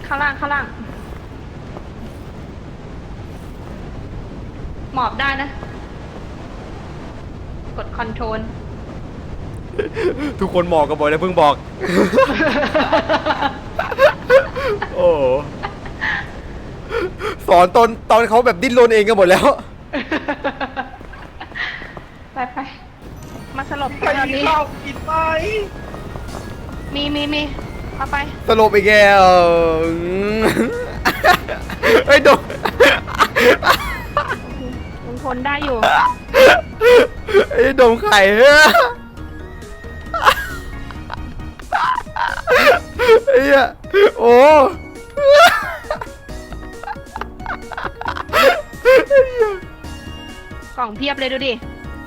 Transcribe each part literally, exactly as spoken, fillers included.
ข้างล่างข้างล่างหมอบได้นะกดคอนโทรลทุกคนหมอกกันบ่อยแล้วเพิ่งบอกโอ้สอนตอนตอนเขาแบบดิ้นรนเองกันหมดแล้วไปไปมาสลบใครตอนมีนี้ข้าวกินไหมมีมีมีเอาไปตลบอีกแกเฮ้ยโดนลุงพลได้อยู่ไอ้ดมไข่เฮ้ยไอ้เหี้ยโอ้กล่องเพียบเลยดูดิ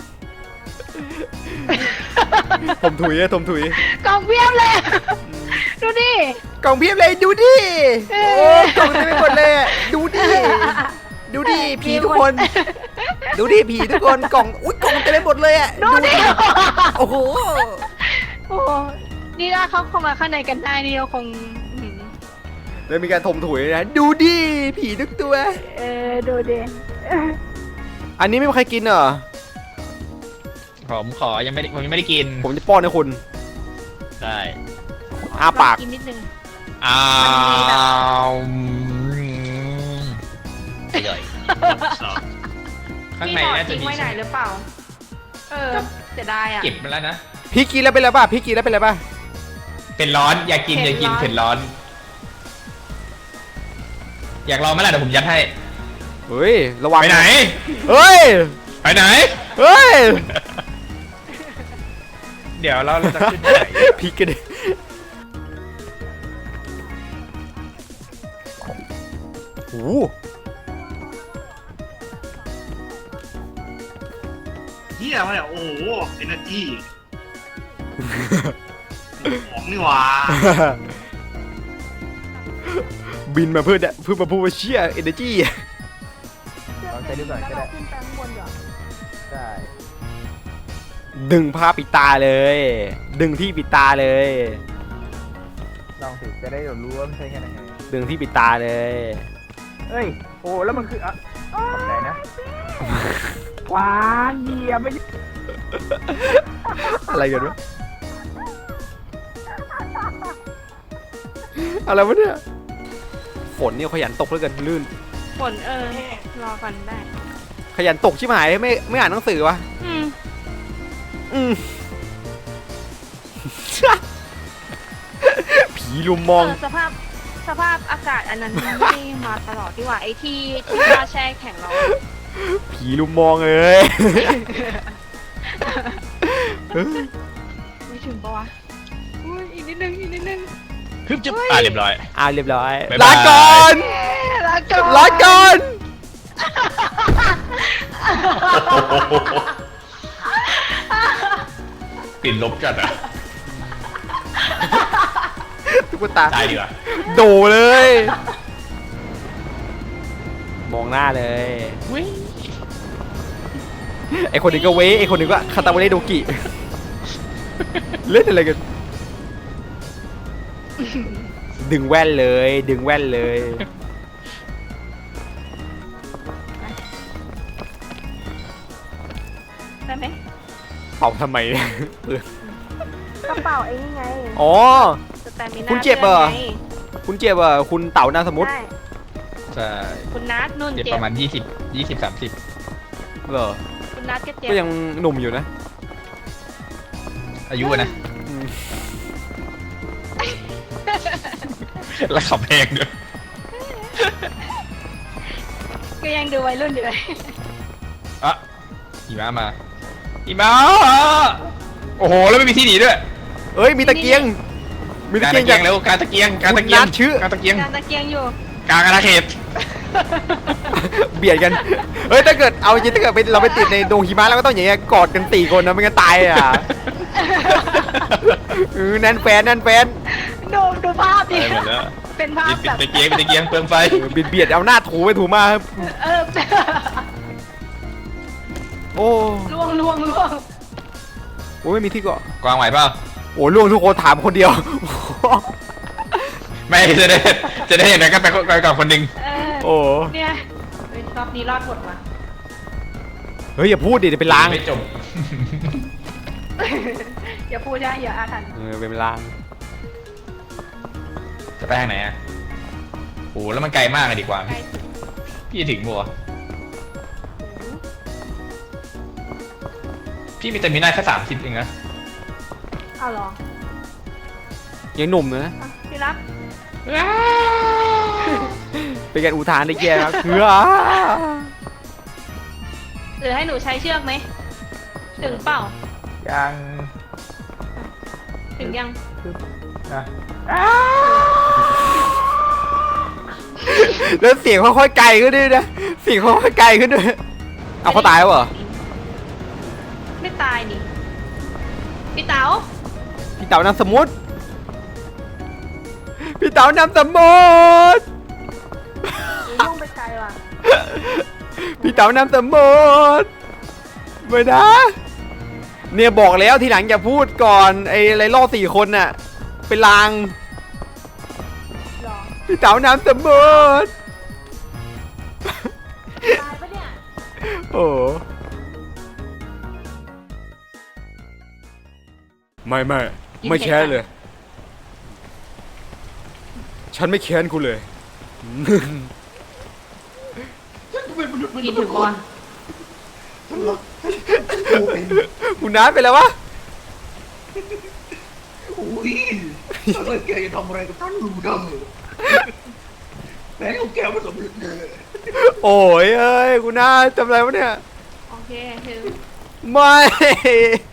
ผมถุยอะผมถุยกล่องเพียบเลย ดูดิกล่องเพียบเลยดูดิโอ้กล่องเต็มไปหมดเลยดูดิดูดิผีทุกคนดูดิผีทุกคนกล่องอุ้ยกล่องเต็มไปหมดเลยอะดูดิโอ้โหโอ้โหนี่ถ้าเขาเข้ามาข้างในกันได้นี่เราคงอืมแล้วมีการถมถุยนะดูดิผีทุกตัวเออดูดิอันนี้ไม่มีใครกินเหรอผมขอยังไม่ได้ผมยังไม่ได้กินผมจะป้อนให้คุณได้อ้าปากกินนิดนึงอ้าวอร่อยข้างในน่าจะทิ้งมีไว้ไหนหรือเปล่า เออเสียดายอ่ะเก็บมาแล้วนะพี่กินแล้วเป็นไรป่ะพี่กินแล้วเป็นไรป่ะเป็นร้อนอยากกินอยากกินเผ็ดร้อน อยากลองไหมล่ะเดี๋ยวผมยัดให้เฮ้ยระวังไปไหนเฮ้ยไปไหนเฮ้ยเดี๋ยวเราเราจะขึ้นที่ไหนพี่กันดิโอ้โหเฮียมาเนี่ยโอ้โหเอเนอร์จีของนี่หว่าบินมาเพื่อเพื่อมาพูดว่าเชี่ยเอเนจีลองใช้ดูก่อนก็ได้ขึ้นไปข้างบนเหรอได้ดึงผ้าปิดตาเลย ดึงที่ปิดตาเลยลองสิจะได้รู้ว่ามันใช้กันยังไงดึงที่ปิดตาเลยเฮ้ย โอ้แล้วมันคืออ่ะขอบใจนะหวานเยี่ยมไม่อะไรกันวะอะไรวะเนี่ยฝนเนี่ยขยันตกเหลือเกินลื่นฝนเออ รอก่อนได้ขยันตกชิบหายไม่ไม่อ่านหนังสือวะอืมอืม ผีลุมมองเออสภาพสภาพอากาศอันนั้นไม่ได้มาตลอดที่ว่าไอ้ที่ที่ว่าแช่แข็งเราผีลุมมองเลยไม่ถึงปะวะอุ้ยอีกนิดนึงอีกนิดนึงคึบจุ๊บอ่ะเรียบร้อยอ่าเรียบร้อยบ๊ายลาบายก่อนลาก่อนลาก่อนกลิ่นลบจัดอ่ะตุ๊กตาตายดีกว่าโดเลย มองหน้าเลยไอคนนี้ก็เว้ไอคนนี้ก็คาตาเวเรโดกิ เล่นอะไรกัน ดึงแว่นเลย ดึงแว่นเลยได้ไหมเป่าทำไมเนี่ยกระเป๋าไอ้นี่ไงอ๋อสแตมินาคุณเจ็บเหรอไงคุณเจ็บอ่ะคุณเต่านามสมมุติได้ใช่คุณนัทนุ่นเจ็บเจ็ปบระมาณยี่สิบยี่สิบสามสิบเหรอคุณนัทก็เจ็บก็ยังหนุ่มอยู่นะอายุอะนะอืมแล้วขับแพงด้วยก็ยังดูวัยรุ่นอยู่เลยอ่ะหิมะมาหิมะโอ้โหแล้วไม่มีที่หนีด้วยเอ้ยมีตะเกียง มีตะการเกียตะงเกียงจากเร็วการตะเกียงการตะเกียงคุณนัทชื่อการตะเกียงการตะเกียงอยู่กลางอาณาเขตเบียดกัน เฮ้ยถ้าเกิดเอาจริงถ้าเกิดไปเราไปติดในดงหิมะแล้วก็ต้องอย่างเงี้ยกอดกันตีคนนะไม่งั้นตายอ่ะเออแน่นแฟนแน่นแฟนดูดูภาพดิไปหมดแล้วเป็นภาพปิดแบบตะเกียงปิดตะเกียงเปลืองไฟเออเบียดเบียดเอาหน้าถูไปถูมาครับเออโอ้ล่วงล่วงล่วงโหไม่มีที่เกาะกวางไหวเปล่าโอ้ล่วงทุกคนถามคนเดียวไม่จะได้จะได้อย่างนั้นก็ไปไปกับคนหนึ่งเออโอ้เนี่ยเฮ้ยรอบนี้รอดหมดว่ะเฮ้ยอย่าพูดดิเดี๋ยวเป็นลางไม่จบอย่าพูดนะอย่าอาถรรพ์เออเป็นลางจะไปทางไหนอ่ะโอ้แล้วมันไกลมากเลยดีกว่าใกล้ถึงพี่ถึงบัวพี่มีแต่มีหน้าแค่สามสิบเองนะเอาเหรอยังหนุ่มนะอ่ะพี่รับเป็นการอุทานได้แย่ครับคือหรือให้หนูใช้เชือกไหมถึงเปล่ายังถึงยังนะแล้วเสียงค่อยๆไกลขึ้นด้วยนะเสียงค่อยๆไกลขึ้นด้วยเอาเขาตายแล้วเหรอไม่ตายนี่พี่เต๋าพี่เต๋านำสมุดพี่เต๋านำสมุดหนูยุ่งไปไกลว่ะพี่เต๋านำสมุดไม่นะเนี่ยบอกแล้วทีหลังอย่าพูดก่อนไอ้ไรล่อสี่คนน่ะเป็นลางหรอพี่เต๋านำสมุดตายปะเนี่ยโอ้ไม่ไม่ไม่แค้นเลย ฉันไม่แค้นคุณเลยกินถึงก่อนคุณน้าเป็นแล้ววะอุ้ยอะไรแกจะทำอะไรกับท่านรู้ดังแต่ของแกไม่สำเร็จเลยโอ้ยเอ้ยคุณน้าทำอะไรวะเนี่ยโอเคถึงไม่